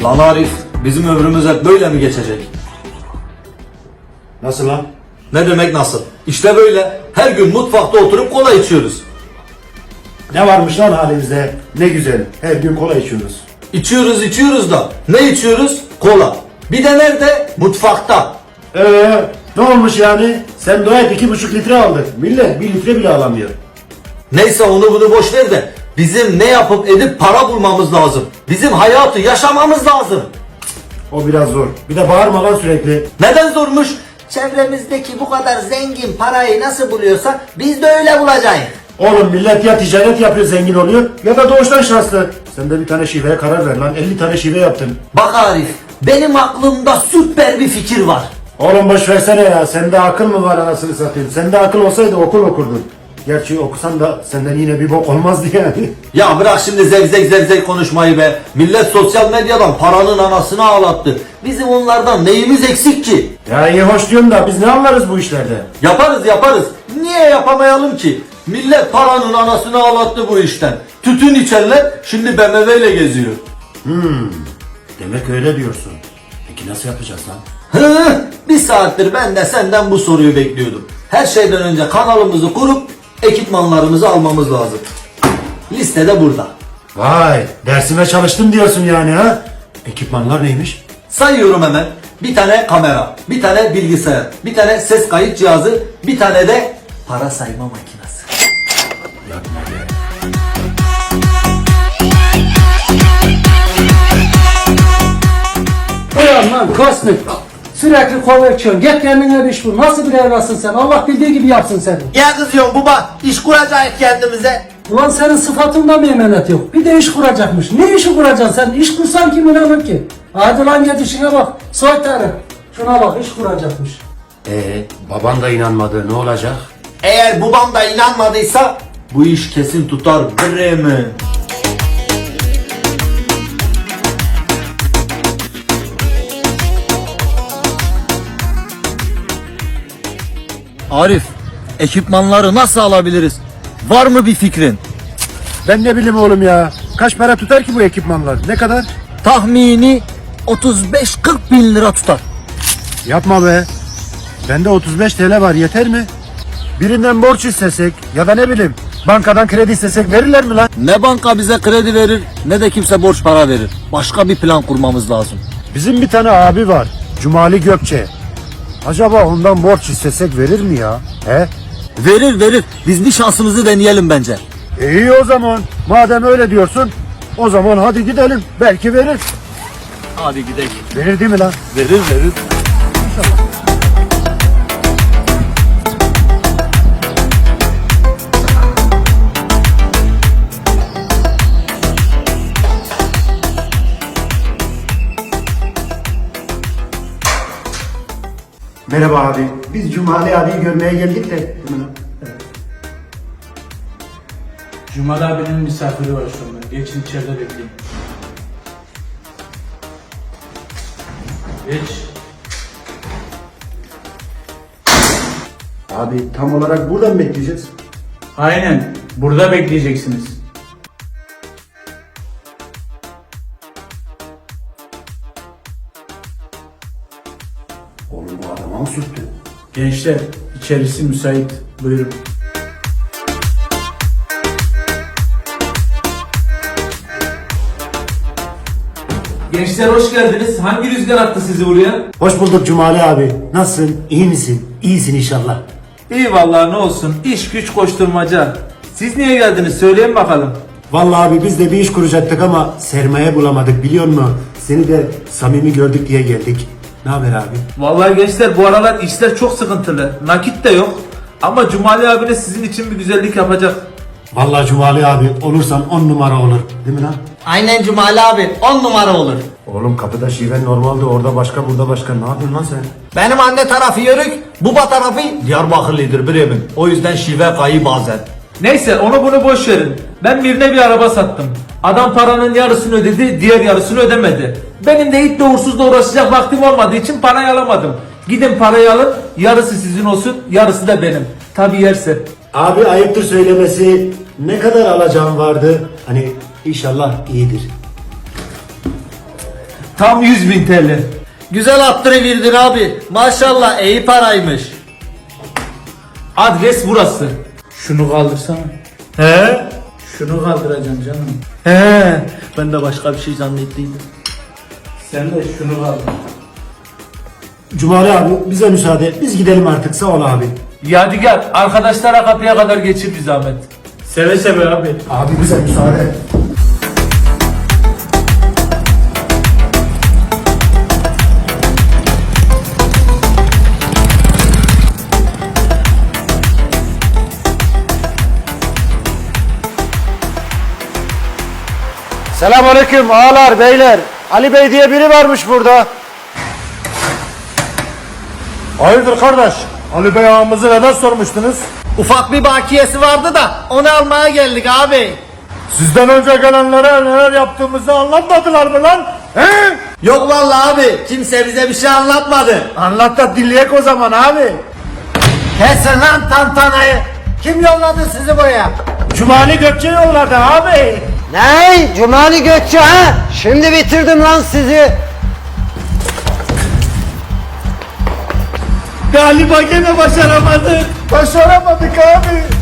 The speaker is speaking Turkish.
Lan Arif, bizim ömrümüz hep böyle mi geçecek? Nasıl lan? Ne demek nasıl? İşte böyle. Her gün mutfakta oturup kola içiyoruz. Ne varmış lan halimizde? Ne güzel. Her gün kola içiyoruz. İçiyoruz da. Ne içiyoruz? Kola. Bir de nerede? Mutfakta. Ne olmuş yani? Sen dua et 2,5 litre aldık. Millet 1 litre bile alamıyor. Neyse onu bunu boş ver de. Bizim ne yapıp edip para bulmamız lazım. Bizim hayatı yaşamamız lazım. O biraz zor. Bir de bağırma lan sürekli. Neden zormuş? Çevremizdeki bu kadar zengin parayı nasıl buluyorsa biz de öyle bulacağız. Oğlum millet ya ticaret yapıyor zengin oluyor ya da doğuştan şanslı. Sen de bir tane şiveye karar ver lan. 50 tane şive yaptın. Bak Arif, benim aklımda süper bir fikir var. Oğlum boş versene ya. Sende akıl mı var anasını satayım? Sende akıl olsaydı okul okurdun. Gerçi okusan da senden yine bir bok olmazdı yani. Ya bırak şimdi zevzek konuşmayı be. Millet sosyal medyadan paranın anasını ağlattı. Bizim onlardan neyimiz eksik ki? Ya iyi hoş diyorsun da biz ne anlarız bu işlerde? Yaparız. Niye yapamayalım ki? Millet paranın anasını ağlattı bu işten. Tütün içenler şimdi BMW ile geziyor. Demek öyle diyorsun. Peki nasıl yapacağız lan? Bir saattir ben de senden bu soruyu bekliyordum. Her şeyden önce kanalımızı kurup ekipmanlarımızı almamız lazım. Liste de burada. Vay dersime çalıştım diyorsun yani ha? Ekipmanlar neymiş? Sayıyorum hemen. Bir tane kamera, bir tane bilgisayar, bir tane ses kayıt cihazı, bir tane de para sayma makinesi. Yapma be. Ulan lan kosmik. Sürekli kola içiyorsun. Git kendine bir iş bul. Nasıl bir evlatsın sen? Allah bildiği gibi yapsın seni. Ya kızıyorsun baba, iş kuracağız kendimize. Ulan senin sıfatında meymenet yok. Bir de iş kuracakmış. Ne işi kuracaksın sen? İş kursan kim inanır ki? Hadi lan git işine bak. Soytarı. Şuna bak iş kuracakmış. Baban da inanmadı ne olacak? Eğer babam da inanmadıysa Bu iş kesin tutar bre mi? Arif, ekipmanları nasıl alabiliriz? Var mı bir fikrin? Ben ne bileyim oğlum ya. Kaç para tutar ki bu ekipmanlar? Ne kadar? Tahmini 35-40 bin lira tutar. Yapma be. Bende 35 TL var yeter mi? Birinden borç istesek ya da ne bileyim bankadan kredi istesek verirler mi lan? Ne banka bize kredi verir ne de kimse borç para verir. Başka bir plan kurmamız lazım. Bizim bir tane abi var. Cumali Gökçe. Acaba ondan borç istesek verir mi ya? He? Verir. Biz bir şansımızı deneyelim bence. İyi o zaman. Madem öyle diyorsun o zaman hadi gidelim. Belki verir. Hadi gidelim. Verir değil mi lan? Verir. Merhaba abi. Biz Cumali abiyi görmeye geldik de. Cumali abinin misafiri var şu anda. Geçin içeride bekleyin. Geç. Abi tam olarak buradan bekleyeceğiz. Aynen. Burada bekleyeceksiniz. Oğlum bu adama mı sürttü? Gençler, içerisi müsait. Buyurun. Gençler hoş geldiniz. Hangi rüzgar attı sizi buraya? Hoş bulduk Cumali abi. Nasılsın? İyi misin? İyisin inşallah. İyi vallahi ne olsun. İş güç koşturmaca. Siz niye geldiniz? Söyleyin bakalım. Vallahi abi biz de bir iş kuracaktık ama sermaye bulamadık biliyor musun? Seni de samimi gördük diye geldik. Ne haber abi? Vallahi gençler bu aralar işler çok sıkıntılı. Nakit de yok. Ama Cumali abine sizin için bir güzellik yapacak. Vallahi Cumali abi olursan 10 numara olur. Değil mi lan? aynen Cumali abi 10 numara olur. Oğlum kapıda şiven normalde orada başka burada başka. Ne yapıyorsun lan sen? Benim anne tarafı Yörük, baba tarafı Diyarbakırlıdır Bremen. O yüzden şive kayı bazen. Neyse onu bunu boş verin. Ben birine bir araba sattım. Adam paranın yarısını ödedi, diğer yarısını ödemedi. Benim de itle uğursuzla uğraşacak vaktim olmadığı için parayı alamadım. Gidin parayı alın, yarısı sizin olsun, yarısı da benim. Tabi yerse. Abi ayıptır söylemesi. Ne kadar alacağım vardı? Hani inşallah iyidir. Tam 100.000 TL. Güzel attırıverdin abi. Maşallah iyi paraymış. Adres burası. Şunu kaldırsana. He? Şunu kaldıracaksın canım. He, ben de başka bir şey zannettiydim. Sen de şunu kaldır. Cumali abi bize müsaade et. Biz gidelim artık sağ ol abi. Yadigar arkadaşlara kapıya kadar geçir bir zahmet. Seve seve abi. Abi bize müsaade. Selamünaleyküm ağalar beyler. Ali Bey diye biri varmış burada. Hayırdır kardeş? Ali Bey ağamızı neden sormuştunuz? Ufak bir bakiyesi vardı da onu almaya geldik abi. Sizden önce gelenlere neler yaptığımızı anlatmadılar mı lan? He? Yok vallahi abi kimse bize bir şey anlatmadı. Anlat da dinleyek o zaman abi. Kesin lan tantanayı. Kim yolladı sizi buraya? Cumali Gökçe yolladı abi. Ne? Cumali Gökçe ha? Şimdi bitirdim lan sizi. Galiba gene başaramadık. Başaramadık abi.